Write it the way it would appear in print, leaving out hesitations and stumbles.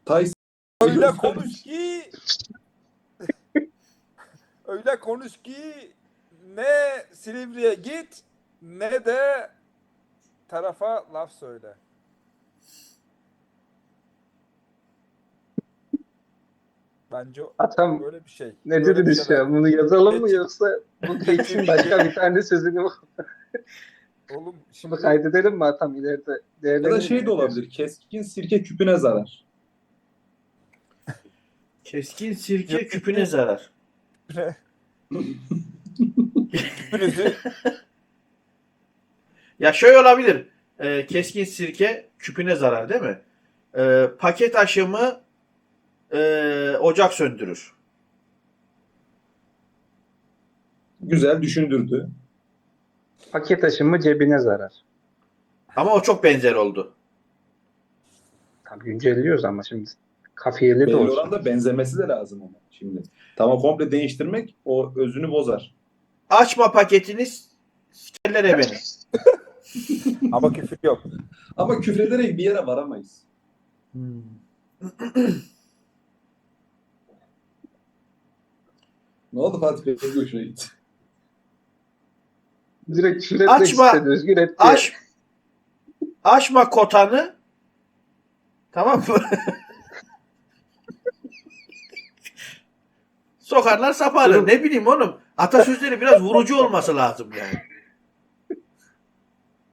Tyson Öyle konuş ki öyle konuş ki ne Silivri'ye git ne de tarafa laf söyle. Bence Atam böyle bir şey. ne Böyle bir dediniz şeyler. ya? Bunu yazalım mı Geç- yoksa bu geçsin başka bir tane sözünü mü? Oğlum Bunu şimdi kaydedelim mi Atam ileride? ya da Değerlendirelim şey de ne diyorsun? olabilir. Keskin sirke küpüne zarar. Keskin sirke küpüne zarar. hepinizi Ya şöyle olabilir. Keskin sirke küpüne zarar değil mi? Paket aşımı ocak söndürür. Güzel düşündürdü. Paket aşımı cebine zarar. Ama o çok benzer oldu. Tabii güncelliyoruz ama şimdi kafiyeli de Belli olsun. oranda benzemesi de lazım ama şimdi. Tamam, komple değiştirmek o özünü bozar. Açma paketiniz sikerler beni. ama küfür yok. Ama küfrederek bir yere varamayız. Ne oldu Fatih Bey? Ne hoşuna gitti? Direkt küfür etmek Açma. istedi. Özgür et diye. Açma kotanı. Tamam mı? Sokarlar saparlar. Durum- Ne bileyim oğlum. Atasözleri biraz vurucu olması lazım yani.